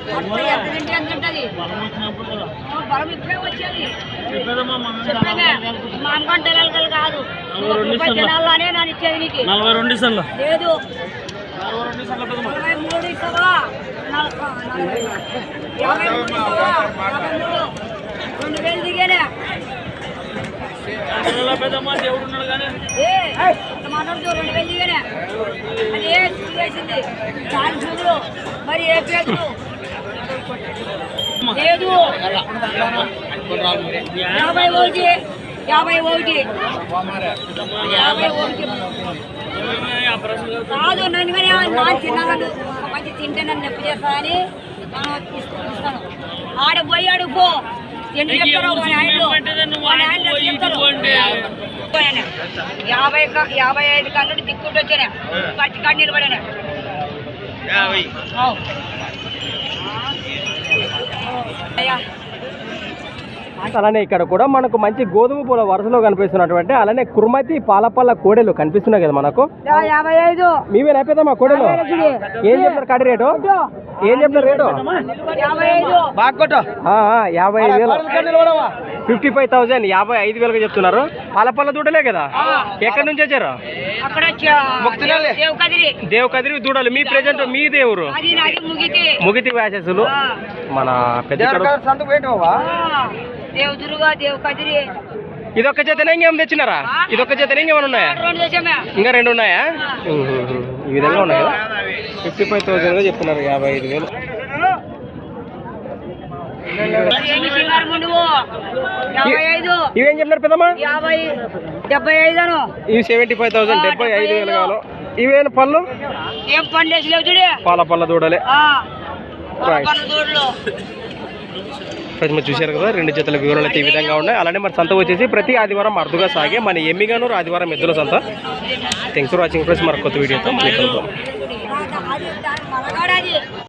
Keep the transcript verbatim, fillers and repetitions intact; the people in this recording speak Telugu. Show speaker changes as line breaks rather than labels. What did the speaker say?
నలభై రెండు ఇస్తాను
లేదు రెండు వేలు దిగానే
దేవుడు ఉన్నాడు కానీ
మాట్లాడుతూ రెండు వేలు దిగానే అది ఏ వేసింది చాలు చూడు మరి ఏ పేరు లేదు యాభై ఒకటి యాభై ఒకటి యాభై ఒకటి కాదు నన్ను కానీ నా తిన్నాను మంచి తింటే నన్ను నొప్పి చేస్తా అని ఇస్తాను ఆడ పోయి అడుగు ఎన్ని చెప్తారో యాభై యాభై ఐదు కన్నుడు దిక్కుంటూ వచ్చానే పచ్చి కాడ నిలబడానే అయ్యా
అలానే ఇక్కడ కూడా మనకు మంచి గోధుమ పూల వరుసలో కనిపిస్తున్నటువంటి అలానే కుర్మతి పాలపల్ల కోడెలు కనిపిస్తున్నాయి కదా మనకు
యాభై ఐదు
మీవే అయిపోతామా కోడెలు ఏం చెప్తారు కడి రేటు ఏం చెప్తారు రేటు యాభై ఐదు వేలు ఫిఫ్టీ ఫైవ్ థౌసండ్ యాభై ఐదు వేలుగా చెప్తున్నారు పాలపల్ల దూడలే కదా ఎక్కడి నుంచి వచ్చారు దేవ్ కదిరి దూడలు మీ ప్రెజెంట్ మీ దేవురు ముగితి వ్యాసెస్లు మన పెద్ద ఇదొక్క జతనే ఇంకేం తెచ్చినారా ఇదొక్క జతనే ఇంకేమైనా ఉన్నాయా ఇంకా రెండు ఉన్నాయా ఈ విధంగా ఉన్నాయి కదా ఫిఫ్టీ ఫైవ్ థౌసండ్ గా చెప్తున్నారు యాభై ఐదు వేలు ఇవేం చెప్పినారు పెద్దమ్మా
డెబ్బై ఐదు
ఇవి సెవెంటీ ఫైవ్ థౌసండ్ డెబ్బై ఐదు వేలు కావాలి ఇవేనా పళ్ళు
ఏం పండు
పాల పళ్ళ దూడలే మీరు చూశారు కదా రెండు జతల వివరాలు అయితే ఈ విధంగా ఉన్నాయి అలానే మరి సంత వచ్చేసి ప్రతి ఆదివారం అరుదుగా సాగే మన ఎమ్మిగానూరు ఆదివారం ఎద్దుల సంత థ్యాంక్స్ ఫర్ వాచింగ్ ఫ్రెండ్స్ మరి కొత్త వీడియోతో మళ్ళీ కలుద్దాం.